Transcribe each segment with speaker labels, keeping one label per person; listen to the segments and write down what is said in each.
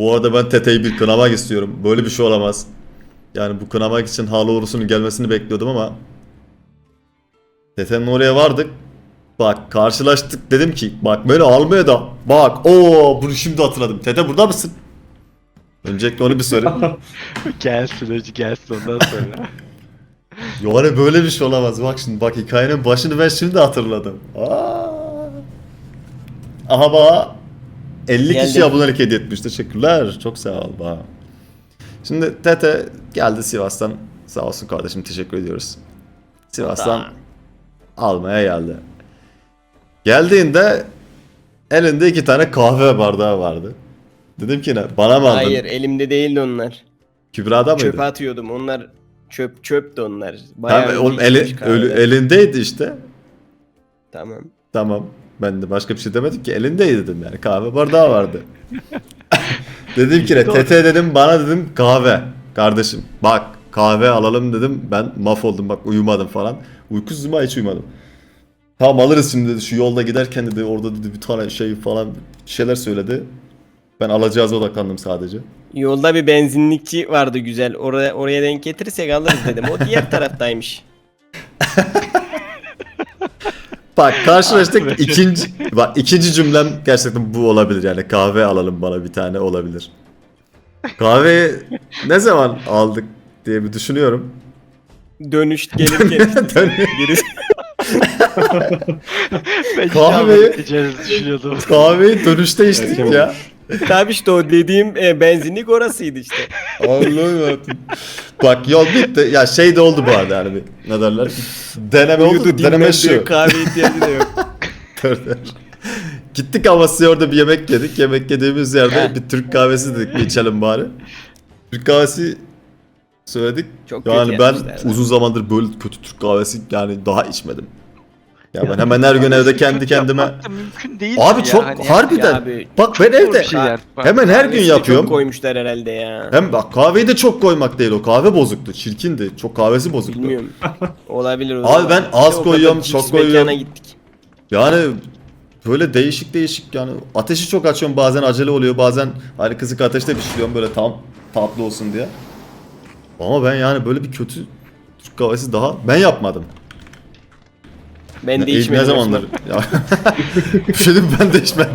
Speaker 1: Bu arada ben Tete'yi bir kınamak istiyorum. Böyle bir şey olamaz. Yani bu kınamak için Haloğlu'sunun gelmesini bekliyordum ama Tete'nin oraya vardık. Bak karşılaştık, dedim ki bak böyle almaya da bak bunu şimdi hatırladım. Tete burada mısın? Öncelikle onu bir sorayım.
Speaker 2: Gelsin hacı gelsin ondan sonra.
Speaker 1: Yani böyle bir şey olamaz. Bak şimdi bak hikayenin başını ben şimdi hatırladım. Aha bak 50 kişi
Speaker 3: Geldim.
Speaker 1: abonelik hediye etmiş. Teşekkürler. Çok sağ ol bak. Şimdi Tete geldi Sivas'tan. Sağ olsun kardeşim, teşekkür ediyoruz. Sivas'tan almaya geldi. Geldiğinde elinde 2 tane kahve bardağı vardı. Dedim ki ne? Bana mı aldın?
Speaker 3: Hayır, elimde değildi onlar.
Speaker 1: Kübra'da mıydı?
Speaker 3: Çöpe atıyordum. Onlar çöptü onlar. Bayağı
Speaker 1: Tamam, oğlum
Speaker 3: içmiş kahveler.
Speaker 1: elindeydi işte.
Speaker 3: Tamam.
Speaker 1: Tamam. Ben de başka bir şey demedim ki, elindeydi dedim yani. Kahve bardağı vardı. Dedim ki ne? Tete dedim, bana dedim kahve. Kardeşim bak kahve alalım dedim. Ben mahvoldum bak, uyumadım falan. Uykusuzum, hiç uyumadım. Tamam alırız şimdi dedi. Şu yolda giderken dedi, orada dedi bir tane şey falan bir şeyler söyledi. Ben alacağız odaklandım sadece.
Speaker 3: Yolda bir benzinlikçi vardı güzel. Oraya denk getirirsek alırız dedim. O diğer taraftaymış.
Speaker 1: Bak karşılaştık, ikinci cümlem gerçekten bu olabilir yani, kahve alalım bana bir tane olabilir. Kahveyi ne zaman aldık diye bir düşünüyorum.
Speaker 3: Dönüş gelirken birisi
Speaker 2: Ben hiç
Speaker 1: Kahveyi-
Speaker 2: almadık diyeceğinizi düşünüyordum.
Speaker 1: Kahveyi dönüşte içtik ya.
Speaker 3: tabii işte o dediğim benzinlik orasıydı işte.
Speaker 1: Allah'ım yarabbim. Bak yol bitti. Ya şey de oldu bu arada yani, bir, ne derler? Deneme oldu.
Speaker 3: Uyudu,
Speaker 1: Deneme
Speaker 3: dinlendi,
Speaker 1: şu.
Speaker 3: kahve ihtiyacı da yok.
Speaker 1: Dur. Gittik Amasya'ya, orada bir yemek yedik. Yemek yediğimiz yerde
Speaker 3: He.
Speaker 1: bir Türk kahvesi dedik, bir içelim bari. Türk kahvesi söyledik.
Speaker 3: Çok
Speaker 1: Yani
Speaker 3: kötü
Speaker 1: ben
Speaker 3: yapmışlar zaten.
Speaker 1: uzun zamandır böyle kötü Türk kahvesi yani daha içmedim. Ya ben hemen her gün evde kendi kendime...
Speaker 2: Yapmak da mümkün değil
Speaker 1: Abi
Speaker 2: mi
Speaker 1: çok
Speaker 2: ya? Hani
Speaker 1: harbiden.
Speaker 3: Ya abi,
Speaker 1: Bak ben
Speaker 2: zor
Speaker 1: evde
Speaker 2: bir şey yani. Bak,
Speaker 1: hemen her gün
Speaker 3: kahvesi de
Speaker 1: yapıyorum.
Speaker 3: Çok koymuşlar herhalde ya.
Speaker 1: Hem bak kahveyi de çok koymak değil, o kahve bozuktu, çirkindi. Çok kahvesi bozuktu.
Speaker 3: Bilmiyorum. Olabilir o
Speaker 1: Abi
Speaker 3: zaman.
Speaker 1: ben az
Speaker 3: Bir de o
Speaker 1: koyuyorum,
Speaker 3: kadar
Speaker 1: çok
Speaker 3: cix mekana
Speaker 1: koyuyorum.
Speaker 3: gittik.
Speaker 1: Yani böyle değişik yani, ateşi çok açıyorum, bazen acele oluyor, bazen hani kısık ateşte pişiriyorum böyle tam tatlı olsun diye. Ama ben yani böyle bir kötü Türk kahvesi daha ben yapmadım.
Speaker 3: Ben de içmedim.
Speaker 1: Ne zamandır? Ya. Bir şey diyeyim mi? Ben de içmedim.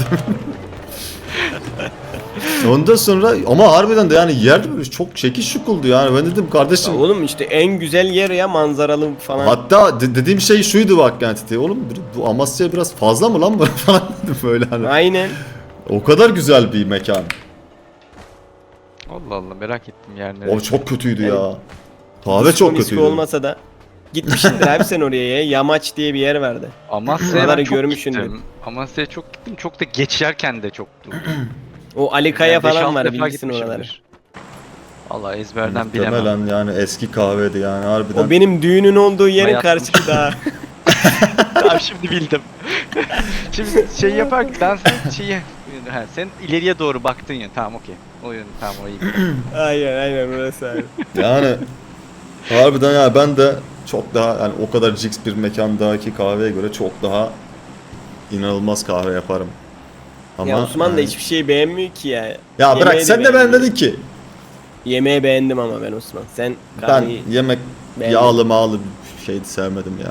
Speaker 1: Ondan sonra ama harbiden de yani yer böyle çok şekil şukuldu yani, ben dedim kardeşim.
Speaker 3: Ya oğlum işte en güzel yer ya, manzaralı falan.
Speaker 1: Hatta dediğim şey şuydu bak yani, Titi, oğlum bu Amasya biraz fazla mı lan bu falan dedim böyle hani.
Speaker 3: Aynen.
Speaker 1: O kadar güzel bir mekan.
Speaker 2: Allah Allah, merak ettim yerleri.
Speaker 1: O çok kötüydü
Speaker 3: Yani
Speaker 1: ya. Kahve
Speaker 3: Disko
Speaker 1: çok
Speaker 3: misko
Speaker 1: kötüydü.
Speaker 3: olmasa da. Gitmişsindir abi sen oraya ya. Yamaç diye bir yer vardı.
Speaker 2: Amasya'ya
Speaker 3: Oraları
Speaker 2: ben çok
Speaker 3: görmüşsündür.
Speaker 2: gittim. Amasya'ya çok gittim. Çok da geçerken de çoktu.
Speaker 3: O Ali Kaya
Speaker 2: Yani beş,
Speaker 3: falan
Speaker 2: altı
Speaker 3: var,
Speaker 2: defa
Speaker 3: bilirsin oraları.
Speaker 2: gitmişimdir. Vallahi ezberden bilemem.
Speaker 1: Muhtemelen yani eski kahveydi yani harbiden.
Speaker 3: O benim düğünün olduğu yerin
Speaker 2: Hayatım.
Speaker 3: karşısı daha.
Speaker 2: Tamam şimdi bildim. Şimdi şey yaparken sen şeyi... Ha, sen ileriye doğru baktın ya. Tamam okey. O yön tamam, o iyi.
Speaker 3: aynen orası abi.
Speaker 1: Yani harbiden ya, ben de çok daha yani o kadar jigs bir mekandaki kahveye göre çok daha inanılmaz kahve yaparım. Ama
Speaker 3: Ya Osman da
Speaker 1: yani-
Speaker 3: hiçbir şey beğenmiyor ki ya.
Speaker 1: Ya bırak,
Speaker 3: Yemeği
Speaker 1: sen de ben
Speaker 3: beğenmiyor.
Speaker 1: dedin ki
Speaker 3: Yemeği beğendim ama ben Osman. Sen
Speaker 1: ben
Speaker 3: kahveyi
Speaker 1: yemek
Speaker 3: beğenmedin.
Speaker 1: yağlı mağlı bir şeydi, sevmedim ya.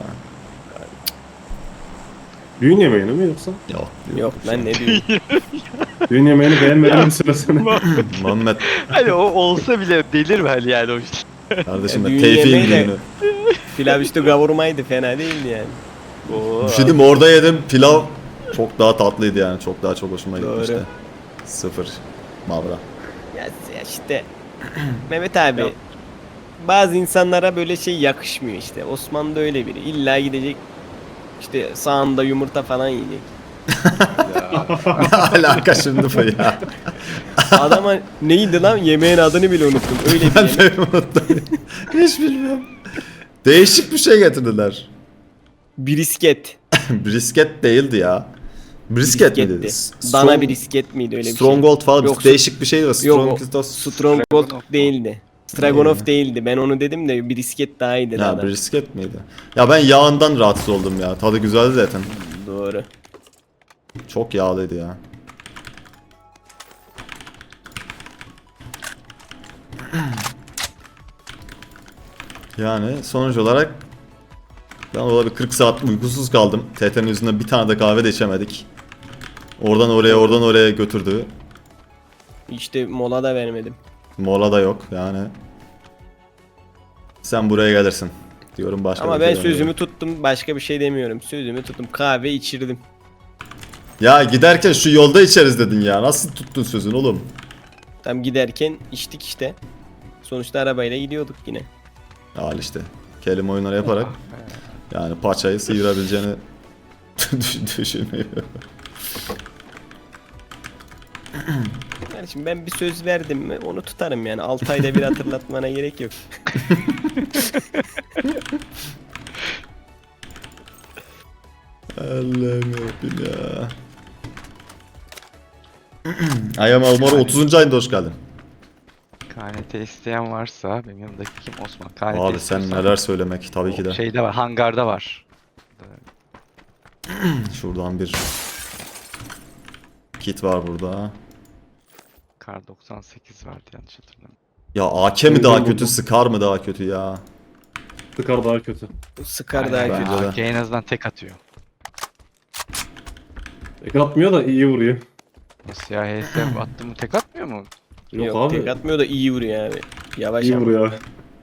Speaker 4: Düğün yemeğini mi yoksa?
Speaker 3: Yok ben ne diyorum.
Speaker 4: Düğün yemeğini beğenmediğini söylesene.
Speaker 1: Muhammed
Speaker 2: Hani o olsa bile delirme hani yani o işte.
Speaker 1: kardeşim,
Speaker 3: Düğün
Speaker 1: Tevfik'in
Speaker 3: yemeği de-
Speaker 1: düğünü.
Speaker 3: Pilav üstü kavurmaydı, fena değildi yani.
Speaker 2: Oo.
Speaker 1: Bir şey diyeyim mi? Orada yedim pilav çok daha tatlıydı yani, çok daha çok hoşuma
Speaker 3: Doğru.
Speaker 1: gitmişti. Sıfır Mavra.
Speaker 3: Ya işte Mehmet abi, bazı insanlara böyle şey yakışmıyor işte. Osman da öyle biri. İlla gidecek işte sağında yumurta falan yiyecek.
Speaker 1: Ne alaka şimdi bu ya?
Speaker 3: Adama neydi lan, yemeğin adını bile unuttum. Öyle bir
Speaker 1: Ben
Speaker 3: yemek.
Speaker 1: de unuttum. Hiç bilmiyorum. Değişik bir şey getirdiler.
Speaker 3: Brisket.
Speaker 1: Brisket değildi ya. Brisket miydi?
Speaker 3: Brisket'ti. Dana brisket miydi, öyle bir şey?
Speaker 1: Stronghold falan
Speaker 3: Yok,
Speaker 1: değişik bir şeydi.
Speaker 3: Yok,
Speaker 1: Stronghold.
Speaker 3: Stronghold değildi. Stroganoff değildi. Ben onu dedim de brisket daha iyiydi.
Speaker 1: Ya
Speaker 3: daha da.
Speaker 1: brisket miydi? Ya ben yağından rahatsız oldum ya. Tadı güzeldi zaten.
Speaker 3: Doğru.
Speaker 1: Çok yağlıydı ya. Yani sonuç olarak ben orada bir 40 saat uykusuz kaldım. TT'nin yüzünden bir tane de kahve de içemedik. Oradan oraya oradan oraya götürdü.
Speaker 3: İşte mola da vermedim.
Speaker 1: Mola da yok yani. Sen buraya gelirsin diyorum başka
Speaker 3: Ama
Speaker 1: bir
Speaker 3: ben
Speaker 1: şey demiyorum.
Speaker 3: sözümü tuttum. Başka bir şey demiyorum. Sözümü tuttum. Kahve içirdim.
Speaker 1: Ya giderken şu yolda içeriz dedin ya. Nasıl tuttun sözünü oğlum?
Speaker 3: Tam giderken içtik işte. Sonuçta arabayla gidiyorduk yine.
Speaker 1: Al işte. Kelime oyunları yaparak yani paçayı sıyırabileceğini düşünmüyorum.
Speaker 3: Kardeşim ben bir söz verdim mi onu tutarım yani. 6 ayda bir hatırlatmana gerek yok.
Speaker 1: Allah'ım yarabbim ya. Ayam Almaro 30. ayında hoş geldin.
Speaker 2: KNT isteyen varsa benim yanımdaki kim? Osman. KNT
Speaker 1: Abi sen
Speaker 2: istiyorsan
Speaker 1: neler söylemek tabii
Speaker 2: o
Speaker 1: ki de.
Speaker 2: Şeyde var, hangarda var.
Speaker 1: Şuradan bir kit var burada.
Speaker 2: Kar 98 vardı yanlış hatırlamıyorum.
Speaker 1: Ya AK mi daha kötü, Scar mı daha kötü ya?
Speaker 4: Sıkar daha kötü.
Speaker 3: Sıkar daha
Speaker 2: Aynen,
Speaker 3: kötü.
Speaker 1: Bence de.
Speaker 2: AK en azından tek atıyor.
Speaker 4: Tek atmıyor da iyi vuruyor.
Speaker 2: Nasıl ya HS attı mı tek atmıyor mu?
Speaker 4: Yok,
Speaker 3: Yok,
Speaker 4: abi.
Speaker 3: tek atmıyor da iyi vuruyor abi. Yavaş
Speaker 4: İyi
Speaker 3: ama.
Speaker 4: vuruyor.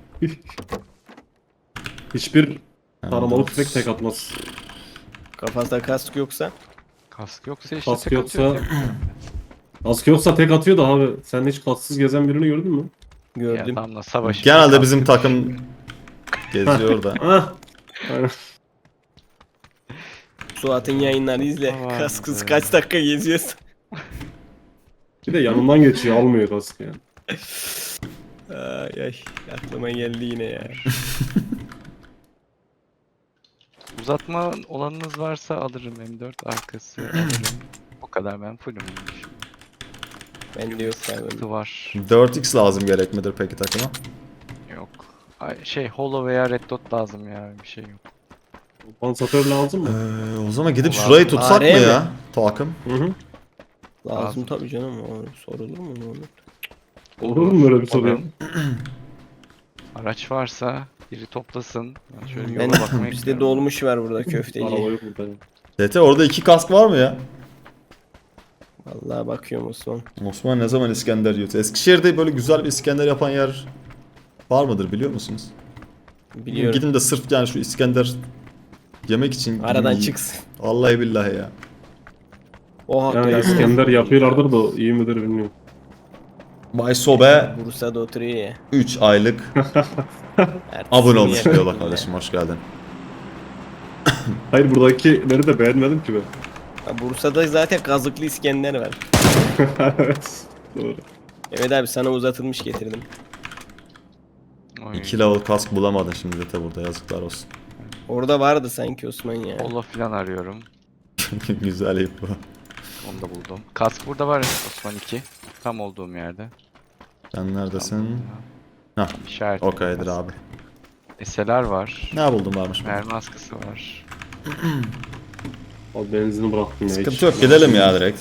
Speaker 4: Hiçbir
Speaker 1: Yani
Speaker 4: taramalı
Speaker 1: dur.
Speaker 4: tüfek tek atmaz.
Speaker 3: Kafasında kask yoksa
Speaker 2: Kask yoksa işte
Speaker 4: Kask
Speaker 2: tek
Speaker 4: yoksa-
Speaker 2: atıyor.
Speaker 4: Kask yoksa tek atıyor da abi. Sen hiç kasksız gezen birini gördün mü?
Speaker 2: Ya
Speaker 3: gördüm.
Speaker 2: adamla savaş.
Speaker 1: Genelde bizim takım geziyor da.
Speaker 4: Ah. Aynen.
Speaker 3: Suat'ın yayınlarını izle.
Speaker 2: Aman
Speaker 3: Kasksız
Speaker 2: be.
Speaker 3: kaç dakika geziyorsun.
Speaker 4: Bir de yanından geçiyor almıyor kaskı yani.
Speaker 3: Ay ay aklıma geldi yine ya.
Speaker 2: Uzatma olanınız varsa alırım M4 arkası alırım. O kadar ben fullüm.
Speaker 3: Bende yok abi.
Speaker 2: Sıkıntı var.
Speaker 1: 4x lazım gerek midir peki takıma?
Speaker 2: Yok. Ay, şey holo veya red dot lazım ya bir şey yok.
Speaker 4: Pansatör lazım mı?
Speaker 1: O zaman gidip
Speaker 2: Lazım.
Speaker 1: şurayı tutsak mı
Speaker 3: AR mi?
Speaker 1: ya? Takım.
Speaker 4: Hı hı.
Speaker 3: Lazım
Speaker 2: Lazım.
Speaker 3: tabii canım. O sorulur mu onu?
Speaker 4: Olur mu böyle bir soru? ya?
Speaker 2: Alırım. Araç varsa biri toplasın. Ben şöyle yola
Speaker 3: Ben
Speaker 2: bakmaya
Speaker 3: bizde
Speaker 2: gidiyorum.
Speaker 3: dolmuş var burada
Speaker 4: Araba
Speaker 3: köfteci.
Speaker 4: yok burada.
Speaker 1: TT orada 2 kask var mı ya?
Speaker 3: Vallahi bakıyorum Osman.
Speaker 1: Osman ne zaman İskender yiyor? Eskişehir'de böyle güzel bir İskender yapan yer var mıdır biliyor musunuz?
Speaker 3: Biliyorum.
Speaker 1: Gidin de sırf yani şu İskender yemek için
Speaker 3: Aradan
Speaker 1: yiyin.
Speaker 3: çıksın.
Speaker 1: Vallahi billahi ya.
Speaker 3: Oha
Speaker 4: Yani İskender yapıyorlardır da iyi midir bilmiyorum.
Speaker 1: Bay Sobe
Speaker 3: Bursa'da oturuyor ya.
Speaker 1: 3 aylık
Speaker 3: Ertesi
Speaker 1: abone
Speaker 3: gün
Speaker 1: olmuş
Speaker 3: yapıyor
Speaker 1: diyorlar
Speaker 3: ya.
Speaker 1: kardeşim hoş geldin.
Speaker 4: Hayır buradakileri de beğenmedim ki ben.
Speaker 3: Ha, Bursa'da zaten kazıklı İskender var.
Speaker 4: Evet. Doğru.
Speaker 3: Evet abi sana uzatılmış getirdim.
Speaker 2: Oy.
Speaker 1: 2 level kask bulamadın şimdi de burada yazıklar olsun.
Speaker 3: Orada vardı sanki Osman ya.
Speaker 2: Holo falan arıyorum.
Speaker 1: Güzel ip bu.
Speaker 2: Onu da buldum. Kask burada var Osman 2. Tam olduğum yerde.
Speaker 1: Sen neredesin?
Speaker 2: Tam
Speaker 1: Hah,
Speaker 2: İşaret.
Speaker 1: okeydir abi.
Speaker 2: SLR var.
Speaker 1: Ne buldun varmış?
Speaker 2: Mermi askısı var.
Speaker 4: Abi benzini bıraktım ya.
Speaker 1: Sıkıntı yok gidelim ya direkt.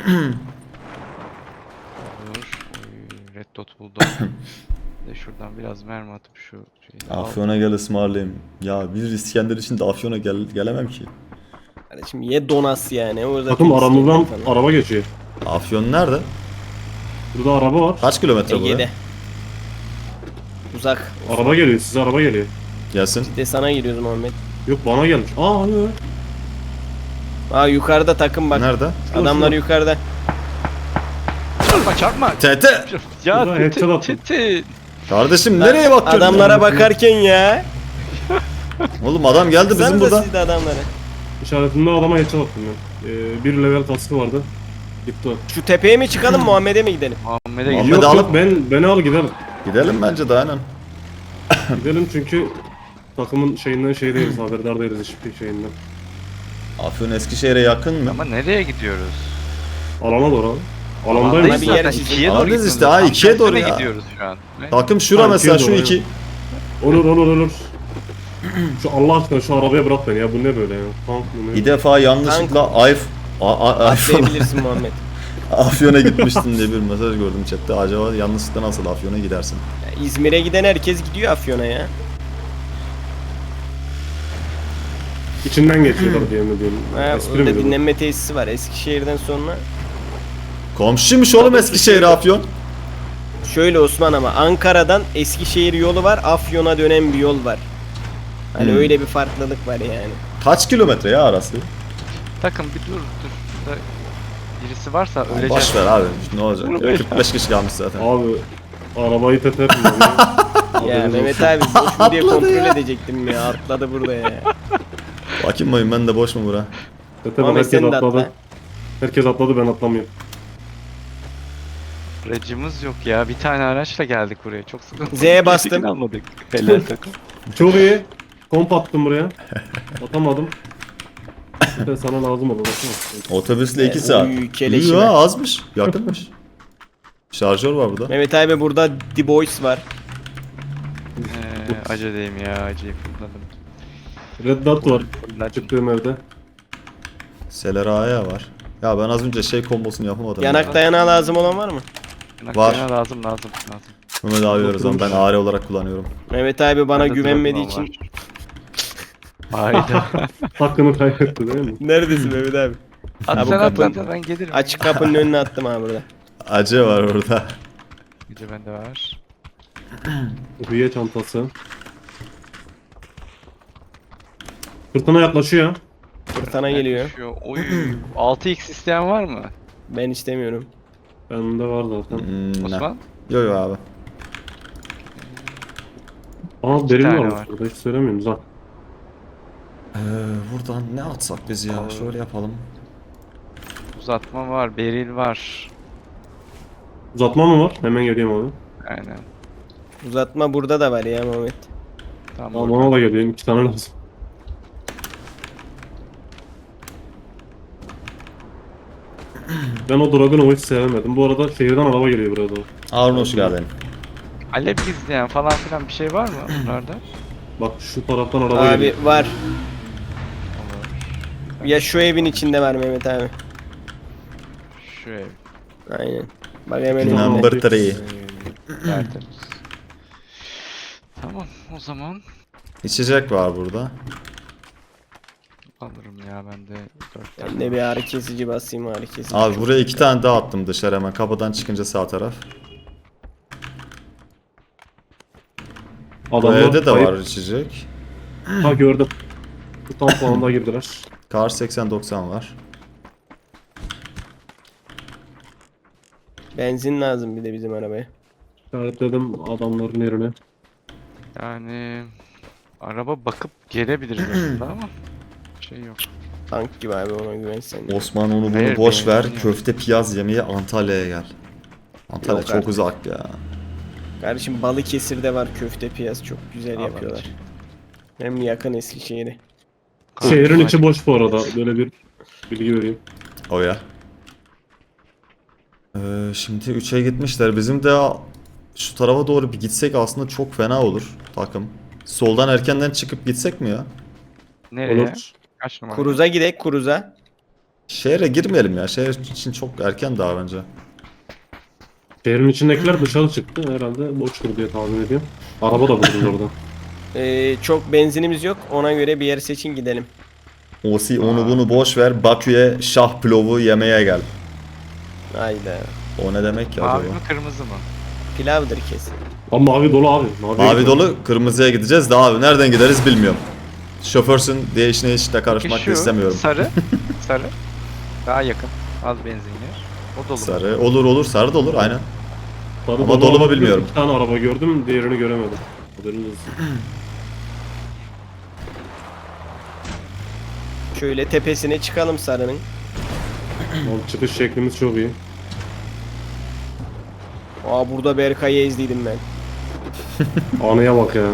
Speaker 2: Olur. Oy, red dot buldum. Bir de şuradan biraz mermi atıp şu şeyi al.
Speaker 1: Afyon'a gel ısmarlayayım. Ya bir İskender için de Afyon'a gelemem ki.
Speaker 3: Kardeşim ye donas yani. O zaten
Speaker 4: Takım aramızdan
Speaker 3: İskender falan.
Speaker 4: araba geçiyor.
Speaker 1: Afyon nerede?
Speaker 4: Burada araba var.
Speaker 1: Kaç kilometre
Speaker 3: Ege'de.
Speaker 1: buraya?
Speaker 3: Uzak.
Speaker 4: Araba geliyor size araba geliyor.
Speaker 1: Gelsin.
Speaker 3: Bir de sana giriyoruz Muhammed.
Speaker 4: Yok bana gelmiş. Aa hani.
Speaker 3: Aa yukarıda takım bak.
Speaker 1: Nerede?
Speaker 3: Adamlar yukarıda.
Speaker 2: Çarpma çarpma.
Speaker 1: TT!
Speaker 2: Ya
Speaker 4: Burada headshot attım.
Speaker 2: titi.
Speaker 1: Kardeşim nereye bakıyorsun?
Speaker 3: Adamlara bakarken ya.
Speaker 1: Oğlum adam geldi bizim
Speaker 3: Baksanıza
Speaker 1: burada.
Speaker 3: siz de adamlara.
Speaker 4: İşaretinde adama headshot attım ben. Bir level kaskı vardı. Gitti o.
Speaker 3: Şu tepeye mi çıkalım Muhammed'e mi gidelim?
Speaker 2: Muhammed'e
Speaker 1: Muhammed
Speaker 2: gidiyor.
Speaker 4: Yok
Speaker 1: alıp-
Speaker 4: yok beni al gidelim.
Speaker 1: Gidelim bence de aynen.
Speaker 4: Gidelim çünkü takımın şeyinden şey değiliz, haberdar değiliz hiçbir şeyinden.
Speaker 1: Afyon Eskişehir'e yakın mı?
Speaker 2: Ama nereye gidiyoruz?
Speaker 4: Alana doğru abi.
Speaker 2: Alandayız
Speaker 4: Alandayız.
Speaker 3: bir
Speaker 2: zaten.
Speaker 3: yer çizin.
Speaker 2: İkiye doğru
Speaker 1: Alandayız
Speaker 2: gidiyoruz.
Speaker 1: işte, ha,
Speaker 2: Tam
Speaker 1: ikiye doğru
Speaker 2: tersine
Speaker 1: ya.
Speaker 2: gidiyoruz şu an. Ne?
Speaker 1: Takım şura
Speaker 4: Ha,
Speaker 1: mesela
Speaker 4: ikiye
Speaker 1: şu
Speaker 4: doğru,
Speaker 1: iki.
Speaker 4: Olur. Şu Allah aşkına şu arabaya bırak beni ya bu ne böyle ya? Tank mı ne?
Speaker 1: Bir defa yanlışlıkla iPhone
Speaker 3: Atlayabilirsin Muhammed.
Speaker 1: Afyon'a gitmiştin diye bir mesaj gördüm chatte. Acaba yanlışlıkla nasıl Afyon'a gidersin?
Speaker 3: Ya İzmir'e giden herkes gidiyor Afyon'a ya.
Speaker 4: İçinden geçiyorlar diye mi diyeyim.
Speaker 3: Ha,
Speaker 4: Espri mi
Speaker 3: orada
Speaker 4: bu?
Speaker 3: dinlenme tesisi var Eskişehir'den sonra.
Speaker 1: Komşuymuş oğlum Eskişehir Afyon.
Speaker 3: Şöyle Osman ama Ankara'dan Eskişehir yolu var, Afyon'a dönen bir yol var. Hani öyle bir farklılık var yani.
Speaker 1: Kaç kilometre ya arası?
Speaker 2: Takım bir dur. Burada birisi varsa öleceğiz.
Speaker 1: Boş ver abi ne olacak?
Speaker 2: Bunu
Speaker 1: Ya,
Speaker 2: böyle-
Speaker 1: 45 kişi kalmış zaten.
Speaker 4: Abi arabayı teterim ben ya.
Speaker 3: Ya
Speaker 4: Haberiniz
Speaker 3: Mehmet
Speaker 4: olsun.
Speaker 3: abi boş mu diye kontrol edecektim ya, atladı burada ya.
Speaker 1: Bakayım bayım ben de boş mu bura?
Speaker 4: Tete ben
Speaker 3: Ahmet
Speaker 4: herkes
Speaker 3: sen de
Speaker 4: atladı.
Speaker 3: atla.
Speaker 4: Herkes atladı ben atlamıyorum.
Speaker 2: Aracımız yok ya. Bir tane araçla geldik buraya. Çok sıkıntı.
Speaker 3: Z'ye bastım.
Speaker 2: Çekin almadık. Helal takım.
Speaker 4: Çok iyi. Komp attım buraya. Atamadım. Tete sana lazım olur. Baksana.
Speaker 1: Otobüsle 2
Speaker 3: E,
Speaker 1: saat.
Speaker 3: oy,
Speaker 1: İyi
Speaker 3: keleşime.
Speaker 1: ya azmış. Yakınmış. Şarjör var burada.
Speaker 3: Mehmet abi burada The Boys var.
Speaker 2: Acedeyim ya. Aceyi fırladım.
Speaker 4: Red Dot var.
Speaker 2: Fırladım.
Speaker 4: Çıktığım evde.
Speaker 1: Seleraya var. Ya ben az önce şey kombosunu yapamadım.
Speaker 3: Yanak
Speaker 1: ya.
Speaker 3: dayanağı lazım olan var mı?
Speaker 1: Var.
Speaker 2: Lazım.
Speaker 1: Mehmet abi veriyoruz ama ben AR olarak kullanıyorum.
Speaker 3: Mehmet abi bana
Speaker 2: Bende
Speaker 3: güvenmediği
Speaker 2: Dragon
Speaker 3: için.
Speaker 2: var. Hayda.
Speaker 4: Hakkını kaybetti değil mi?
Speaker 3: Neredesin Mehmet abi?
Speaker 2: At
Speaker 3: Ha, bu
Speaker 2: sen at
Speaker 3: kapının-
Speaker 2: ben gelirim.
Speaker 3: Açık kapının önüne attım abi burada.
Speaker 1: Acı var orada.
Speaker 2: Gece bende var.
Speaker 4: Hüye çantası. Fırtına yaklaşıyor.
Speaker 3: Fırtına geliyor.
Speaker 2: Şu oy 6x isteyen var mı?
Speaker 3: Ben istemiyorum.
Speaker 4: Bende var zaten.
Speaker 1: Ne?
Speaker 2: Osman?
Speaker 1: Yo yo abi.
Speaker 4: Aa derin
Speaker 2: tane
Speaker 4: varmış
Speaker 2: var.
Speaker 4: burada hiç söylemiyorsunuz ha.
Speaker 1: Buradan ne atsak biz ya?
Speaker 2: Olur.
Speaker 1: Şöyle yapalım.
Speaker 2: Uzatma var, beril var.
Speaker 4: Uzatma mı var? Hemen geleyim abi.
Speaker 2: Aynen.
Speaker 3: Uzatma burada da var ya Mehmet.
Speaker 2: Tamam.
Speaker 4: Aa, bana da geleyim. 2 tane lazım. Ben o Dragun'u hiç sevemedim. Bu arada şehirden araba geliyor buraya doğru.
Speaker 1: Harun hoş geldin.
Speaker 2: Alev gizleyen falan filan bir şey var mı bunlarda?
Speaker 4: Bak şu taraftan araba
Speaker 3: Abi
Speaker 4: geliyor.
Speaker 3: var.
Speaker 2: Olur.
Speaker 3: Ya şu evin içinde var Mehmet abi.
Speaker 2: Şu ev.
Speaker 3: Aynen. Bak hemen önünde.
Speaker 1: Number 3.
Speaker 2: Tertemiz. Tamam o zaman
Speaker 1: İçecek var burada.
Speaker 2: alırım ya ben de 4 tane.
Speaker 3: Ben de bir ağrı kesici basayım, ağrı kesici.
Speaker 1: Abi buraya 2 tane daha attım dışarı hemen kapıdan çıkınca sağ taraf. Bu
Speaker 4: Adamlar
Speaker 1: evde de
Speaker 4: kayıp.
Speaker 1: var içecek.
Speaker 4: Ha gördüm. Bu tam puanına girdiler.
Speaker 1: Kar 80-90 var.
Speaker 3: Benzin lazım bir de bizim arabaya.
Speaker 4: İşaretledim adamların yerine.
Speaker 2: Yani araba bakıp gelebiliriz aslında ama şey yok.
Speaker 3: Tank gibi abi, ona güvensen.
Speaker 1: Osman onu bunu
Speaker 2: Hayır,
Speaker 1: boş ver.
Speaker 2: beğendim ya.
Speaker 1: Köfte piyaz yemeye Antalya'ya gel. Antalya
Speaker 3: Yok
Speaker 1: çok
Speaker 3: artık.
Speaker 1: uzak ya.
Speaker 3: Kardeşim Balıkesir'de var köfte piyaz, çok güzel
Speaker 2: Abi.
Speaker 3: yapıyorlar. Hem yakın Eskişehir'e.
Speaker 4: Şehrin
Speaker 2: Var.
Speaker 4: içi boş bu arada. Böyle bir bilgi vereyim.
Speaker 1: O ya. Şimdi 3'e gitmişler. Bizim de şu tarafa doğru bir gitsek aslında çok fena olur takım. Soldan erkenden çıkıp gitsek mi ya?
Speaker 2: Nereye?
Speaker 4: Olur.
Speaker 2: Kaç numara?
Speaker 3: Kuruza gidek, Kuruza.
Speaker 1: Şehre girmeyelim ya. Şehir için çok erken daha bence.
Speaker 4: Şehrin içindekiler dışarı çıktı. Herhalde boştur diye tahmin ediyorum. Araba da bulundu orada.
Speaker 3: Çok benzinimiz yok, ona göre bir yer seçin gidelim.
Speaker 1: Osi onu bunu boş ver. Bakü'ye şah pilavı yemeye gel.
Speaker 3: Hayda.
Speaker 1: O ne demek ki
Speaker 2: Mavi
Speaker 1: acaba?
Speaker 2: mi kırmızı mı?
Speaker 3: Pilavdır kesin.
Speaker 4: Ama mavi dolu abi.
Speaker 1: Mavi dolu, kırmızıya gideceğiz de abi nereden gideriz bilmiyorum. Şoförsün diye işine hiç de karışmak
Speaker 2: Peki
Speaker 1: da istemiyorum.
Speaker 2: Sarı. Sarı. Daha yakın. Az benzin yer. O dolu. mu?
Speaker 1: Sarı olur olur sarı da olur aynen.
Speaker 4: Sarı
Speaker 1: Ama dolu mu
Speaker 4: abi.
Speaker 1: bilmiyorum.
Speaker 4: 2 tane araba gördüm. Diğerini göremedim. Haberiniz olsun.
Speaker 3: Şöyle tepesine çıkalım sarının.
Speaker 4: Abi çıkış şeklimiz çok iyi.
Speaker 3: Aa, burada Berkay'ı ezdiydim ben.
Speaker 4: Anıya bak ya.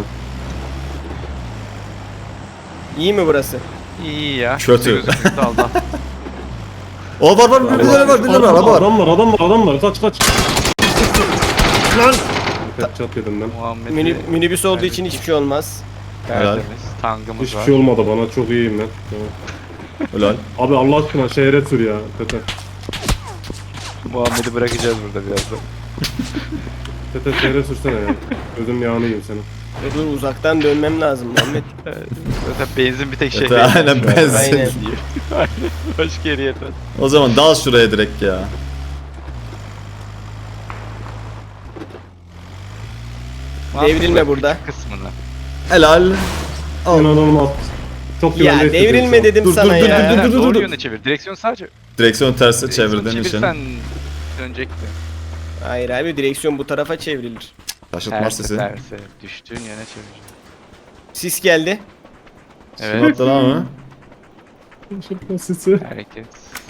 Speaker 3: İyi mi burası?
Speaker 2: İyi ya.
Speaker 1: Kötü.
Speaker 2: Gözüküyor Allah.
Speaker 1: O var bir tane var bir tane araba var.
Speaker 4: Adam var. Kaç. Lan! Çat yedim ben.
Speaker 2: Muhammed'i
Speaker 3: Minibüs olduğu için hiçbir şey olmaz.
Speaker 2: tertemiz. Tangımız
Speaker 4: Hiçbir
Speaker 2: var.
Speaker 4: şey olmadı bana. Çok iyiyim ben. Tamam.
Speaker 1: Ulan.
Speaker 4: Abi Allah aşkına şehre sür ya. Tete.
Speaker 2: Muhammed'i bırakacağız burada birazdan.
Speaker 4: Tete seyre sürsene ya. Gözüm yağını yiyeyim senin.
Speaker 3: Dur uzaktan dönmem lazım Muhammed.
Speaker 2: Zaten benzin bir tek şey.
Speaker 1: Evet, aynen benzin.
Speaker 3: Aynen.
Speaker 2: Başka yere yetmez.
Speaker 1: O zaman dal şuraya direkt ya.
Speaker 3: Devrilme burada.
Speaker 2: Kısmını.
Speaker 1: Helal. Al.
Speaker 4: İnanılmaz. Çok
Speaker 3: Ya
Speaker 4: güvenli
Speaker 3: devrilme
Speaker 4: hissediyorum
Speaker 3: dedim
Speaker 1: Dur,
Speaker 3: sana
Speaker 1: dur, dur,
Speaker 3: ya.
Speaker 1: dur, dur.
Speaker 2: Doğru yöne çevir. Direksiyon sadece.
Speaker 1: Direksiyon tersi
Speaker 2: Direksiyonu
Speaker 1: çevirdiğin için.
Speaker 2: çevirsen dönecekti.
Speaker 3: Hayır abi direksiyon bu tarafa çevrilir.
Speaker 1: Şaşırtmaz sesi.
Speaker 2: Terse. Düştüğün yöne çevir.
Speaker 3: Sis geldi.
Speaker 2: Evet.
Speaker 1: Atladı ama.
Speaker 4: şu an. Şırtma sesi.
Speaker 2: Hareket.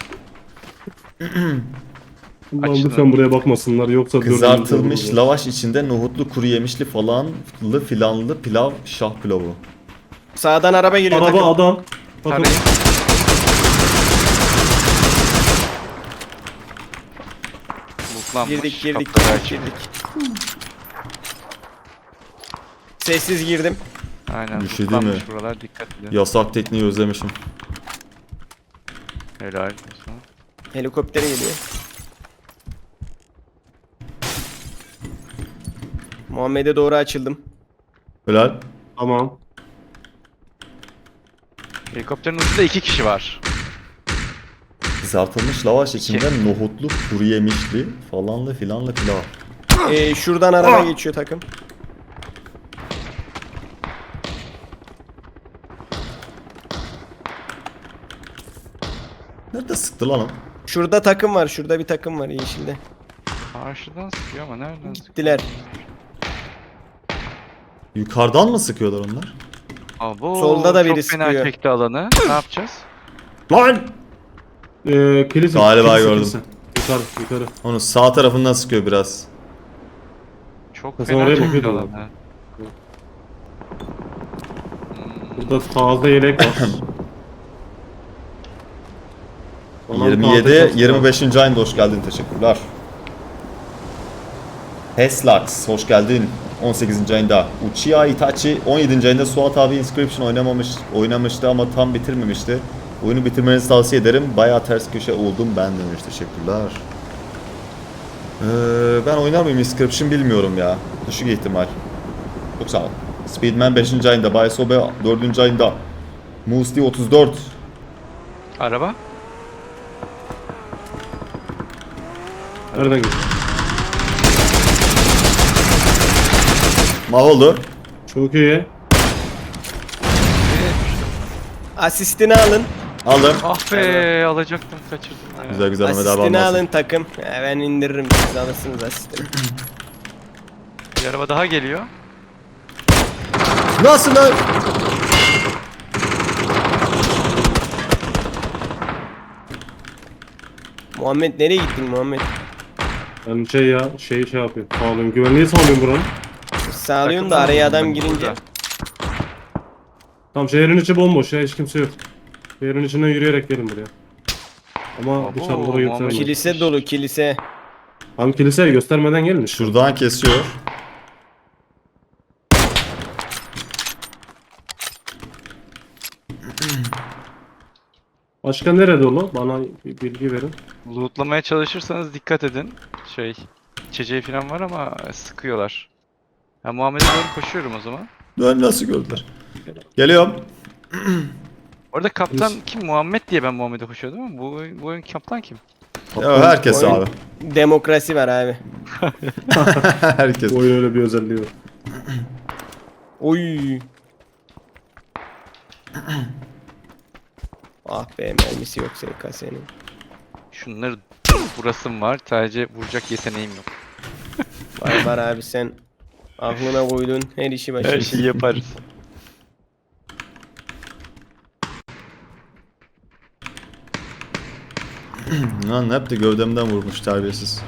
Speaker 4: Ulan
Speaker 2: Açılın.
Speaker 4: lütfen buraya bakmasınlar yoksa
Speaker 1: Kızartılmış
Speaker 4: dördüncü
Speaker 1: lavaş içinde nohutlu kuru yemişli falanlı filanlı pilav şah pilavı.
Speaker 3: Sağdan araba geliyor.
Speaker 4: Araba
Speaker 3: takım.
Speaker 4: adam. Bakın.
Speaker 2: Tabii. Lootlanmış.
Speaker 3: Girdik
Speaker 2: kapıları açık.
Speaker 3: girdik. Sessiz girdim.
Speaker 2: Aynen.
Speaker 1: Bir şey değil mi?
Speaker 2: lootlanmış buralar, dikkat edin.
Speaker 1: Yasak tekniği özlemişim.
Speaker 2: Helal olsun.
Speaker 3: Helikopter geliyor. Muhammed'e doğru açıldım.
Speaker 1: Helal.
Speaker 4: Tamam.
Speaker 2: Helikopterin ucunda 2 kişi var.
Speaker 1: Kızartılmış lavaş içinde nohutlu kuru yemişli falanlı filanlı pilav.
Speaker 3: Şuradan araba geçiyor takım.
Speaker 1: Nerede sıktı lan o?
Speaker 3: Şurada takım var. Şurada bir takım var yeşilde.
Speaker 2: Karşıdan sıkıyor ama nereden sıkıyor?
Speaker 3: Gittiler.
Speaker 1: Yukarıdan mı sıkıyorlar onlar?
Speaker 2: Abo,
Speaker 3: Solda da biri
Speaker 2: çok fena
Speaker 3: sıkıyor.
Speaker 2: çekti alanı. Ne yapacağız?
Speaker 1: Lan!
Speaker 4: Kilise.
Speaker 1: Galiba
Speaker 4: kilise,
Speaker 1: gördüm.
Speaker 4: kilise. Yukarı yukarı.
Speaker 1: Onu sağ tarafından sıkıyor biraz.
Speaker 2: Çok
Speaker 4: Sen
Speaker 2: fena
Speaker 4: oraya
Speaker 2: çekti
Speaker 4: bakıyordun
Speaker 2: alanı.
Speaker 4: abi.
Speaker 2: Hmm,
Speaker 4: Burada fazla yelek var. Anam
Speaker 1: 27
Speaker 4: tahtaya
Speaker 1: 25. ayında hoş geldin, teşekkürler. Heslax hoş geldin 18. ayında. Uchiha Itachi 17. ayında. Suat abi Inscription oynamıştı ama tam bitirmemişti. Oyunu bitirmenizi tavsiye ederim. Bayağı ters köşe oldum ben demiş, teşekkürler. Ben oynar mıyım Inscription bilmiyorum ya. Düşük ihtimal. Çok sağ ol. Speedman 5. ayında. Bayasobe 4. ayında. Musti 34.
Speaker 2: Araba?
Speaker 4: Nereden gidiyor?
Speaker 1: Mahvoldu.
Speaker 4: Çok iyi.
Speaker 3: Asistini alın.
Speaker 1: Aldım.
Speaker 2: Ah be, alacaktım, kaçırdım ya.
Speaker 1: Güzel güzel Mehmet abi
Speaker 3: Asistini
Speaker 1: almasın.
Speaker 3: alın takım. Ben indiririm siz alırsınız asistini.
Speaker 2: Bir araba daha geliyor.
Speaker 1: Nasıl lan?
Speaker 3: Muhammed nereye gittin Muhammed?
Speaker 4: Ben şey yapıyorum. Sağlıyorum. Güvenliği sağlıyorum buranın.
Speaker 3: Sağlıyorsun da araya adam girince.
Speaker 2: Burada.
Speaker 4: Tamam şehrin içi bomboş ya hiç kimse yok. Şehrin içinden yürüyerek gelin buraya. Ama
Speaker 2: Abo,
Speaker 4: dışarılara
Speaker 2: Muhammed
Speaker 4: göstermeyin.
Speaker 3: Kilise dolu kilise.
Speaker 4: Tam kiliseye göstermeden gelin.
Speaker 1: Şuradan kesiyor.
Speaker 4: Başka nerede dolu? Bana bir bilgi verin.
Speaker 2: Lootlamaya çalışırsanız dikkat edin. İçeceği falan var ama sıkıyorlar. Ben Muhammed'e doğru koşuyorum o zaman.
Speaker 1: Ben nasıl gördüler? Geliyorum.
Speaker 2: Orada kaptan kim? Muhammed diye ben Muhammed'e koşuyordum ama bu oyun kaptan kim?
Speaker 1: Ya herkes
Speaker 3: Oyun-
Speaker 1: abi.
Speaker 3: Demokrasi var abi.
Speaker 1: Herkes.
Speaker 4: Bu oyun öyle bir özelliği var.
Speaker 3: Oy. Ah be mermisi yok SKS'nin.
Speaker 2: Şunları vurasım var. Sadece vuracak yeteneğim yok.
Speaker 3: Var abi sen aklına koydun her işi
Speaker 2: Her
Speaker 3: başarırsın.
Speaker 2: şeyi yaparız.
Speaker 1: Lan hep de gövdemden vurmuş terbiyesiz.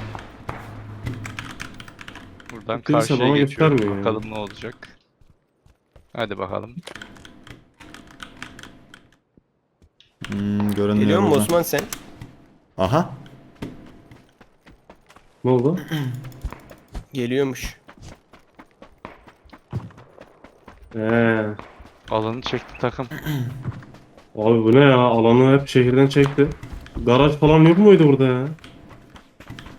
Speaker 2: Buradan
Speaker 4: Kimse
Speaker 2: karşıya
Speaker 4: bana
Speaker 2: geçiyorum.
Speaker 4: göstermiyor yani.
Speaker 2: Bakalım ne olacak. Hadi bakalım.
Speaker 1: Görünmüyor
Speaker 3: Geliyor mu
Speaker 1: buradan.
Speaker 3: Osman sen?
Speaker 1: Aha.
Speaker 4: Ne oldu?
Speaker 3: Geliyormuş.
Speaker 2: Alanı çekti takım.
Speaker 4: Abi bu ne ya? Alanı hep şehirden çekti. Garaj falan yok muydu burada ya?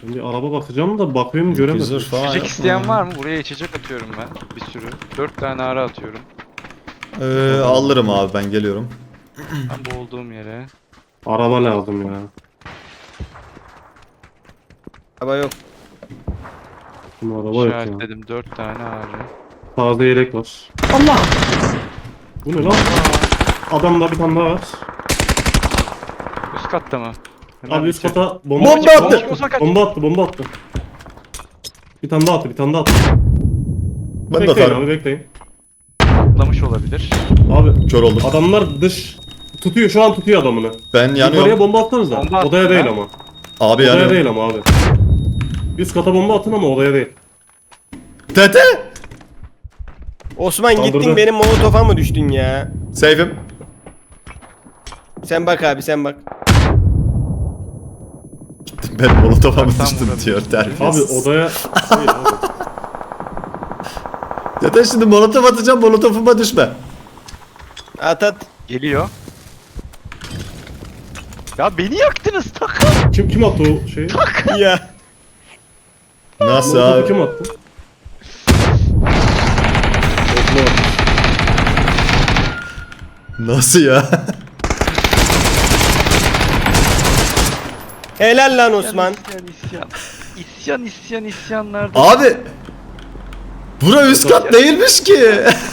Speaker 4: Ben bir araba bakacağım da bakıyorum göremedim.
Speaker 1: Güzel falan
Speaker 2: İçecek
Speaker 1: yapma
Speaker 2: isteyen
Speaker 1: ya.
Speaker 2: var mı? Buraya içecek atıyorum ben. Bir sürü. 4 tane ara atıyorum.
Speaker 1: Alırım abi, ben geliyorum.
Speaker 2: Ben bu olduğum yere.
Speaker 4: Araba lazım ya.
Speaker 3: Araba yok.
Speaker 4: Şimdi araba yok ya.
Speaker 2: İşaretledim 4 tane ağrı.
Speaker 4: Taze yelek var. Allah! Bu ne lan? Adamda bir tane daha var.
Speaker 2: Üst katta mı? Hemen
Speaker 4: Abi üst
Speaker 2: içeri.
Speaker 4: kata
Speaker 1: Bomba
Speaker 4: bomba
Speaker 1: attı!
Speaker 2: Osman kaç.
Speaker 4: Bomba attı. Bir tane daha attı, bir tane daha attı.
Speaker 1: Ben de
Speaker 4: Bekleyin
Speaker 1: atarım.
Speaker 4: abi, bekleyin.
Speaker 2: Atlamış olabilir.
Speaker 4: Abi
Speaker 1: Kör oldum.
Speaker 4: adamlar tutuyor, şu an tutuyor adamını.
Speaker 1: Ben
Speaker 4: Yukarıya
Speaker 1: yanıyorum.
Speaker 4: bomba attınız
Speaker 2: Bomba
Speaker 4: da.
Speaker 2: attın
Speaker 4: Odaya
Speaker 2: ha?
Speaker 4: değil ama.
Speaker 1: Abi
Speaker 4: Odaya
Speaker 1: yanıyorum.
Speaker 4: değil ama abi. Üst kata bomba atın ama odaya değil.
Speaker 1: Tete!
Speaker 3: Osman
Speaker 4: Kaldırdı.
Speaker 3: gittin benim molotofa mı düştün ya?
Speaker 1: Safe'im.
Speaker 3: Sen bak abi sen bak.
Speaker 1: Ben molotof'a mı
Speaker 2: Uzaktan
Speaker 1: düştüm
Speaker 2: vurabilir.
Speaker 1: diyor
Speaker 4: Abi
Speaker 1: terbiyesiz.
Speaker 4: odaya değil abi.
Speaker 1: Tete şimdi molotof atacağım, molotofuma düşme.
Speaker 3: At at.
Speaker 2: Geliyor. Ya beni yaktınız takım.
Speaker 4: Kim attı o şeyi?
Speaker 3: Ya.
Speaker 1: Nasıl
Speaker 4: Molotofu
Speaker 1: abi?
Speaker 4: kim attı? Osman.
Speaker 1: Nasıl ya?
Speaker 3: Helal lan Osman.
Speaker 2: İsyanlarda.
Speaker 1: Abi! Bura üst kat değilmiş ki.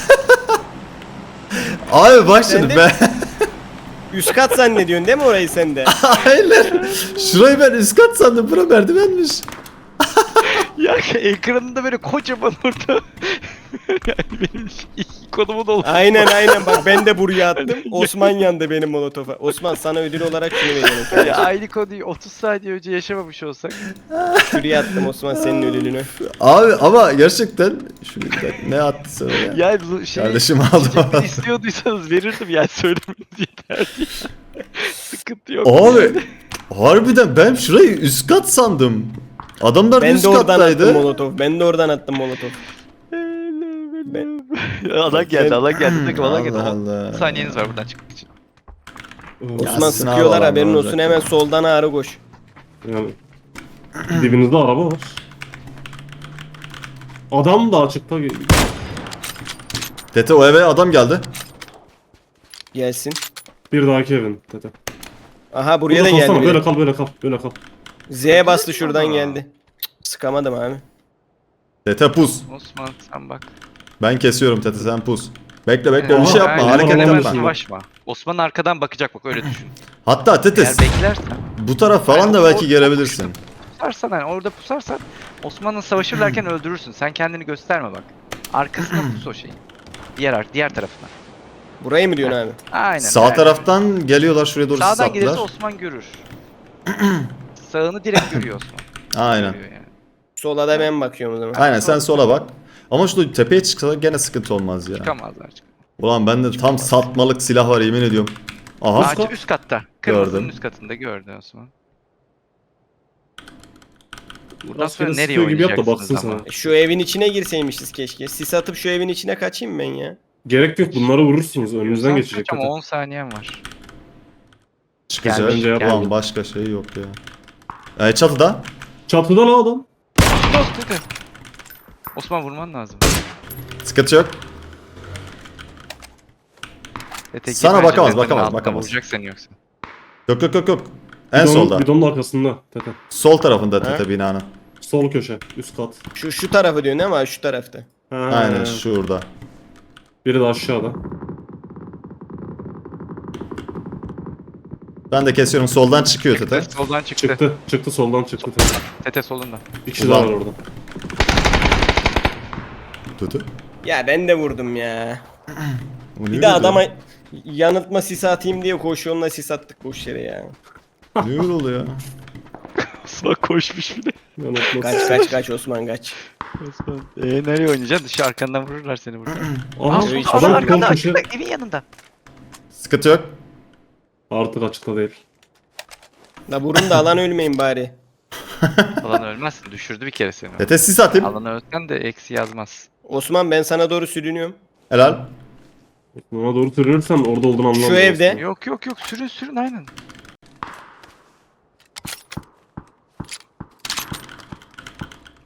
Speaker 1: Abi bak
Speaker 3: Sen
Speaker 1: şimdi
Speaker 3: de-
Speaker 1: ben...
Speaker 3: Üst kat zannediyorsun değil mi orayı sen de?
Speaker 1: Hayır. Şurayı ben üst kat sandım. Bura merdivenmiş.
Speaker 2: Ya ekranında böyle kocaman orada. Yani benim ikonumu da oldu.
Speaker 3: Aynen bak ben de buraya attım. Osman yandı benim molotofa. Osman sana ödül olarak şunu veriyorum.
Speaker 2: Ya aynı konuyu 30 saniye önce yaşamamış olsak.
Speaker 3: Şuraya attım Osman senin ödülünü.
Speaker 1: Abi ama gerçekten... Şu bir dakika, ne attı sana ya?
Speaker 2: Yani bu şey
Speaker 1: Kardeşim aldım.
Speaker 2: çiçekleri istiyorduysanız verirdim yani söylemeniz yeterli. Sıkıntı yok.
Speaker 1: Abi harbiden ben şurayı üst kat sandım. Adamlar
Speaker 3: Ben
Speaker 1: üst
Speaker 3: de oradan attım
Speaker 1: kattaydı.
Speaker 3: molotof. Ben de oradan attım molotof.
Speaker 2: Alan geldi, alan geldi. Takım alan geldi.
Speaker 1: Allah
Speaker 2: 10
Speaker 1: Allah.
Speaker 2: saniyeniz var buradan çıkmak için.
Speaker 3: Osman
Speaker 1: Ya, sınav
Speaker 3: sıkıyorlar
Speaker 1: alan
Speaker 3: haberin
Speaker 1: olacak
Speaker 3: olsun
Speaker 1: ya.
Speaker 3: hemen soldan ağrı koş.
Speaker 4: Yani dibinizde araba var. Adam da açıkta.
Speaker 1: Tete o eve adam geldi.
Speaker 3: Gelsin.
Speaker 4: Bir dahaki evin Tete.
Speaker 3: Aha buraya da
Speaker 4: Burada kalsana,
Speaker 3: geldi.
Speaker 4: böyle
Speaker 3: biri.
Speaker 4: kal, böyle kal, böyle kal.
Speaker 3: Z'ye bastı şuradan geldi. Cık, sıkamadım abi.
Speaker 1: Tete pus.
Speaker 2: Osman sen bak.
Speaker 1: Ben kesiyorum Tete, sen pus. Bekle bekle
Speaker 2: Yani
Speaker 1: bir şey yapma,
Speaker 2: aynen,
Speaker 1: hareket
Speaker 2: hemen
Speaker 1: yapma.
Speaker 2: savaşma. Osman arkadan bakacak bak öyle düşün.
Speaker 1: Hatta Tete
Speaker 2: Eğer beklersen,
Speaker 1: bu taraf falan
Speaker 2: Aynen,
Speaker 1: da
Speaker 2: o-
Speaker 1: belki
Speaker 2: o-
Speaker 1: gelebilirsin.
Speaker 2: pusarsan yani orada pusarsan Osman'la savaşırlarken öldürürsün. Sen kendini gösterme bak. Arkasına pus o şeyin. Diğer tarafına.
Speaker 3: Burayı mı diyorsun abi?
Speaker 2: Aynen.
Speaker 1: Sağ
Speaker 2: aynen.
Speaker 1: taraftan geliyorlar, şuraya doğru
Speaker 2: Sağdan
Speaker 1: sattılar.
Speaker 2: gelirse Osman görür. Sağını direkt görüyor Osman.
Speaker 1: Aynen.
Speaker 2: Görüyor yani.
Speaker 3: Sola da ben bakıyorum o zaman.
Speaker 1: Aynen sen sola bak. Ama şu tepeye çıksa gene sıkıntı olmaz ya.
Speaker 2: Çıkamazlar.
Speaker 1: Ulan bende tam satmalık silah var, yemin ediyorum. Aha.
Speaker 2: Ağaç üst katta. Kırmızının
Speaker 1: Gördüm.
Speaker 2: üst katında gördü Osman. Buradan
Speaker 4: Rastgele
Speaker 2: sonra nereye
Speaker 4: sıkıyor gibi yap da
Speaker 2: oynayacaksınız
Speaker 4: baksın
Speaker 2: ama?
Speaker 4: sana.
Speaker 3: Şu evin içine girseymişiz keşke. Sis atıp şu evin içine kaçayım ben ya.
Speaker 4: Gerek yok, bunları vurursunuz, önünüzden
Speaker 2: Sen
Speaker 4: geçecek
Speaker 2: kaç ama
Speaker 4: Tete.
Speaker 2: 10 saniyen var.
Speaker 1: Çıkacak.
Speaker 2: Gelmiş,
Speaker 1: Ulan
Speaker 2: geldi.
Speaker 1: başka şey yok ya. Çatıda.
Speaker 4: Çatıda lan adam.
Speaker 2: Dost dedi. Osman vurman lazım.
Speaker 1: Sıkıntı yok.
Speaker 2: Tek
Speaker 1: Sana
Speaker 2: bence
Speaker 1: bakamaz,
Speaker 2: benim
Speaker 1: bakamaz,
Speaker 2: altına
Speaker 1: bakamaz.
Speaker 2: Vuracak seni yoksa.
Speaker 1: Yok yok yok yok. En solda.
Speaker 4: Bidonun arkasında Tete.
Speaker 1: Sol tarafında Tete binanın.
Speaker 4: Sol köşe, üst kat.
Speaker 3: Şu tarafı diyorsun ama şu tarafta.
Speaker 4: Ha,
Speaker 1: Aynen şurada.
Speaker 4: Biri de aşağıda.
Speaker 1: Ben de kesiyorum, soldan çıkıyor Tete.
Speaker 2: Tete soldan çıktı.
Speaker 4: Çıktı soldan çıktı Tete.
Speaker 2: Tete solunda.
Speaker 4: Bir kişi
Speaker 1: Ulan.
Speaker 4: daha var orada.
Speaker 1: Tete.
Speaker 3: Ya ben de vurdum ya.
Speaker 1: O
Speaker 3: Bir
Speaker 1: niye
Speaker 3: de
Speaker 1: öyle
Speaker 3: adama yanıltma sis atayım diye koşuyonla sis attık boş yere ya.
Speaker 1: oluyor? Niye öyle oluyor?
Speaker 2: Osman koşmuş bir de.
Speaker 3: Kaç Osman kaç.
Speaker 2: Osman. Nereye oynayacaksın? Dışı arkandan vururlar seni burada.
Speaker 4: Aha,
Speaker 2: Aa,
Speaker 3: hiç-
Speaker 2: Osman
Speaker 4: adam
Speaker 2: arkanda,
Speaker 4: sol köşe.
Speaker 2: arkanda, evin yanında.
Speaker 1: Sıkıntı yok.
Speaker 4: Artık açıkta değil.
Speaker 3: La vurun da alan ölmeyin bari.
Speaker 2: Alan ölmezsin. Düşürdü bir kere seni.
Speaker 1: Tete sis atayım.
Speaker 2: Alanı ölsen de eksi yazmaz.
Speaker 3: Osman ben sana doğru sürünüyorum.
Speaker 1: Helal.
Speaker 4: Ona doğru sürünürsen orada olduğunu anlamam.
Speaker 3: Şu evde.
Speaker 2: Yok sürün aynen.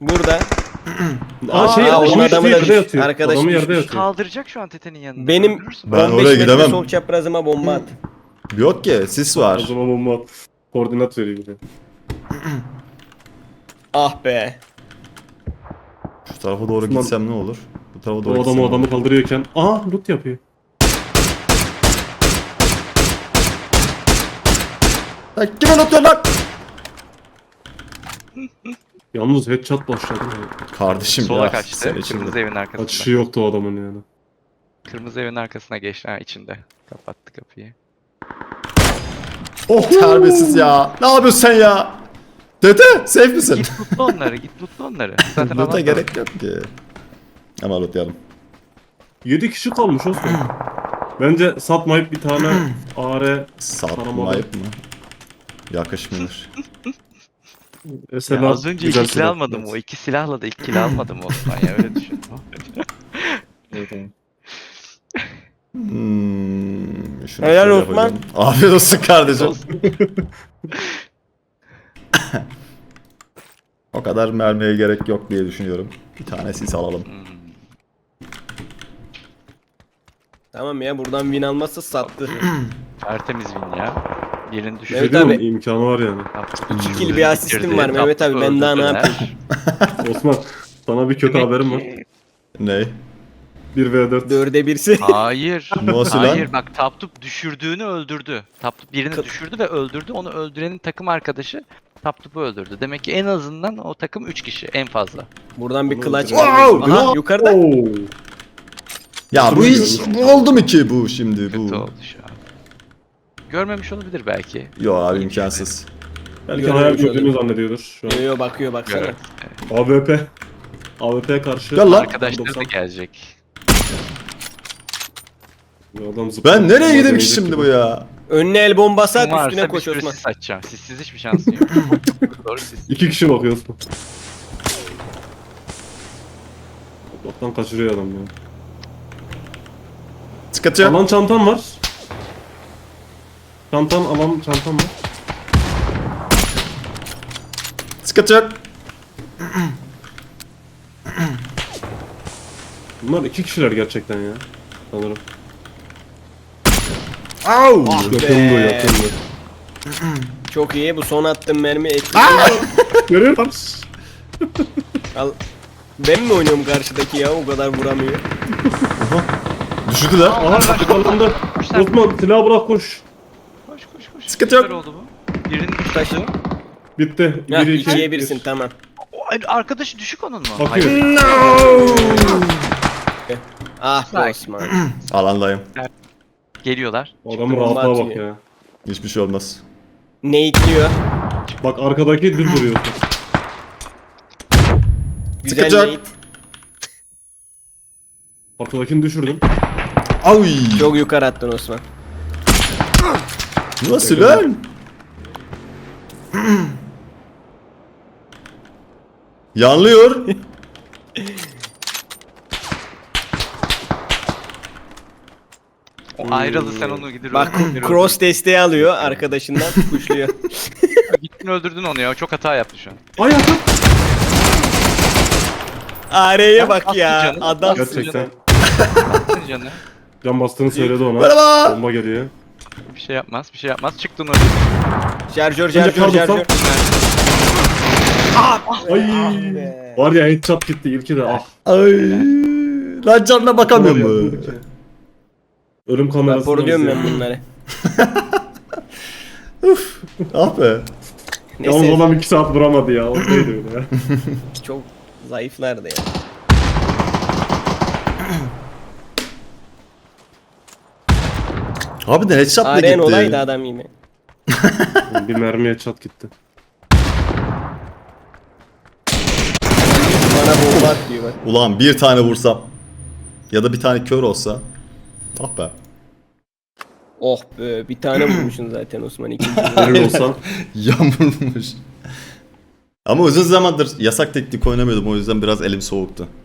Speaker 3: Burada.
Speaker 4: Şey
Speaker 3: Aa, onun
Speaker 4: adamı
Speaker 3: adamı da
Speaker 4: yerde
Speaker 3: düştü.
Speaker 4: yatıyor.
Speaker 3: Arkadaş
Speaker 4: Adamı yerde
Speaker 3: düşmüş.
Speaker 4: yatıyor.
Speaker 2: Kaldıracak şu an tetenin yanında.
Speaker 3: Benim
Speaker 2: Öldürürsün.
Speaker 1: Ben
Speaker 3: 15
Speaker 1: oraya
Speaker 3: metre
Speaker 1: gidemem.
Speaker 3: sol çaprazıma bomba at.
Speaker 1: Yok ki sis var.
Speaker 4: O zaman bomba koordinat veriyor bir de.
Speaker 3: Ah be.
Speaker 1: Şu tarafa doğru
Speaker 4: Osman-
Speaker 1: gitsem ne olur? Bu tarafa doğru
Speaker 4: O
Speaker 1: gitsem
Speaker 4: adam o
Speaker 1: ne
Speaker 4: adamı
Speaker 1: olur?
Speaker 4: kaldırıyorken loot yapıyor.
Speaker 1: Lan kime atıyor lan?
Speaker 4: Yalnız headshot başladı.
Speaker 1: Kardeşim
Speaker 2: Sola
Speaker 1: ya.
Speaker 2: kaçtı.
Speaker 1: Sen için
Speaker 2: Kırmızı
Speaker 1: de.
Speaker 2: evin arkasında.
Speaker 4: Kaçışı yoktu o adamın yani.
Speaker 2: Kırmızı evin arkasına geçti. Ha içinde. Kapattı kapıyı.
Speaker 1: Oh terbiyesiz ya. Ne yapıyorsun sen ya? Dede safe misin?
Speaker 2: Git mutlu onları. Git mutlu onları. Zaten
Speaker 1: Loot'a
Speaker 2: alan
Speaker 1: gerek yok ki. Ama lootlayalım.
Speaker 4: 7 kişi kalmış Osman. Bence satmayıp bir tane AR
Speaker 1: Satmayıp mı? Yakışmıyor.
Speaker 4: mesela
Speaker 2: Ya az önce
Speaker 4: güzel
Speaker 2: iki silah
Speaker 4: silah.
Speaker 2: almadım o. İki silahla da ilk kill almadım Osman ya öyle düşün.
Speaker 4: Evet, evet.
Speaker 1: Şunu
Speaker 3: Helal
Speaker 1: şöyle
Speaker 3: Osman.
Speaker 1: yapacağım. Afiyet olsun kardeşim. O kadar mermiye gerek yok diye düşünüyorum. Bir tane sis alalım.
Speaker 3: Tamam ya buradan win almazsa sattı.
Speaker 2: Tertemiz win ya. Yerini düşürdü.
Speaker 3: Evet
Speaker 4: Şey değil mi?
Speaker 3: abi.
Speaker 4: İmkanı var yani.
Speaker 3: 2 kill bir asistim var Mehmet abi ben daha ne yapayım?
Speaker 4: Osman sana bir kötü haberim var.
Speaker 1: Ne?
Speaker 4: 1v4.
Speaker 3: 4'e 1'si.
Speaker 2: Hayır.
Speaker 1: Nasıl lan?
Speaker 2: Hayır bak Taptup düşürdüğünü öldürdü. Taptup birini düşürdü ve öldürdü. Onu öldürenin takım arkadaşı Taptup'u öldürdü. Demek ki en azından o takım 3 kişi en fazla.
Speaker 3: Buradan bir clutch
Speaker 1: Wow,
Speaker 3: var. Aha
Speaker 1: wow.
Speaker 3: yukarıda.
Speaker 4: Oo.
Speaker 1: Ya bu hiç bu oldu mu ki bu şimdi
Speaker 2: Kötü
Speaker 1: bu?
Speaker 2: oldu şu an. Görmemiş olabilir belki.
Speaker 1: Yok abi imkansız.
Speaker 4: Belki
Speaker 3: Görmemiş
Speaker 4: hayal gördüğünü
Speaker 3: olayım.
Speaker 4: zannediyordur şu an.
Speaker 3: Yo yo bakıyor baksana.
Speaker 2: Evet.
Speaker 4: AWP. AWP'ye karşı.
Speaker 1: Gel lan.
Speaker 2: Arkadaşları da
Speaker 4: 90.
Speaker 2: gelecek.
Speaker 4: Adam zıplıyor.
Speaker 1: Ben nereye gideyim ki
Speaker 4: Deneyecek
Speaker 1: şimdi
Speaker 4: gibi.
Speaker 1: bu ya?
Speaker 3: Önüne el bombası at
Speaker 2: Varsa
Speaker 3: üstüne
Speaker 2: bir
Speaker 3: koş
Speaker 2: sürü
Speaker 3: Osman.
Speaker 2: sis açacağım. Sissiz hiçbir şansın yok. Doğru siz.
Speaker 4: 2 kişi bakıyor Osman. Allah'tan kaçırıyor adam ya.
Speaker 1: Sıkıntı yok.
Speaker 4: Alan çantam var. Alan çantam var.
Speaker 1: Sıkıntı yok.
Speaker 4: Bunlar 2 kişiler gerçekten ya. Sanırım.
Speaker 1: Au!
Speaker 4: Yakındı yakındı.
Speaker 3: Çok iyi bu son attığım mermi etkili.
Speaker 4: Görüyor musun?
Speaker 3: Al. Ben mi oynuyorum karşıdaki ya o kadar vuramıyor.
Speaker 1: Düşürdü lan.
Speaker 4: Aha yakalandı. Osman silahı bırak koş.
Speaker 2: Koş koş koş.
Speaker 1: Sıkıntı yok.
Speaker 2: Güzel oldu bu. Birinin
Speaker 3: Taşı.
Speaker 2: düştü.
Speaker 4: Bitti.
Speaker 3: Heh,
Speaker 4: 1 2
Speaker 3: 2'ye 1'sin tamam.
Speaker 2: Arkadaşı düşük onun mu?
Speaker 4: Bakıyor.
Speaker 3: Ah be
Speaker 2: Sakin.
Speaker 3: Osman.
Speaker 1: Alandayım.
Speaker 2: Geliyorlar.
Speaker 4: Adamın
Speaker 3: Bomba
Speaker 4: rahatlığa bak
Speaker 3: atıyor.
Speaker 4: ya.
Speaker 1: Hiçbir şey olmaz.
Speaker 3: Nate'liyor.
Speaker 4: Bak arkadaki düz duruyor.
Speaker 3: Güzel
Speaker 1: Sıkacak.
Speaker 3: Nate.
Speaker 4: Arkadakini düşürdüm.
Speaker 1: Ay!
Speaker 3: Çok yukarı attın Osman.
Speaker 1: Nasıl lan? Yanlıyor.
Speaker 2: O ayrıldı sen onu gidir.
Speaker 3: Bak
Speaker 2: öldür.
Speaker 3: cross desteği alıyor arkadaşından kuşluyor.
Speaker 2: Gittin öldürdün onu ya. Çok hata yaptı şu an.
Speaker 4: Ay yakın.
Speaker 3: AR'ye bak ya.
Speaker 2: Attı canı.
Speaker 3: Adam.
Speaker 4: Gerçekten.
Speaker 2: Attın canı.
Speaker 4: Can bastığını söyledi ona.
Speaker 1: Merhaba.
Speaker 4: Bomba geliyor.
Speaker 2: Bir şey yapmaz. Bir şey yapmaz. Çıktın öldürdün.
Speaker 3: Şarjör
Speaker 4: Önce
Speaker 3: şarjör
Speaker 4: kaldırsam.
Speaker 3: şarjör.
Speaker 4: Ay.
Speaker 3: be.
Speaker 4: Var ya headshot gitti ilki de ah.
Speaker 1: Ay. Lan canına bakamıyor mu?
Speaker 4: Ölüm kamerası.
Speaker 3: Raporluyorum ben bunları.
Speaker 1: Ah be.
Speaker 4: Yalnız
Speaker 3: Neyse
Speaker 4: adam 2 saat vuramadı ya. O neydi öyle ya.
Speaker 3: çok zayıflardı ya.
Speaker 1: Abi de headshot da
Speaker 3: AR'n
Speaker 1: gitti.
Speaker 3: olaydı adam yine.
Speaker 4: Bir mermi headshot gitti.
Speaker 3: Bana bomba at diyor bak.
Speaker 1: Ulan bir tane vursam. Ya da bir tane kör olsa. Ah be.
Speaker 3: Oh be bir tane vurmuşsun zaten Osman ikinci.
Speaker 4: Öyle olsa.
Speaker 1: Yağmurmuş. Ama uzun zamandır yasak teknik oynamıyordum, o yüzden biraz elim soğuktu.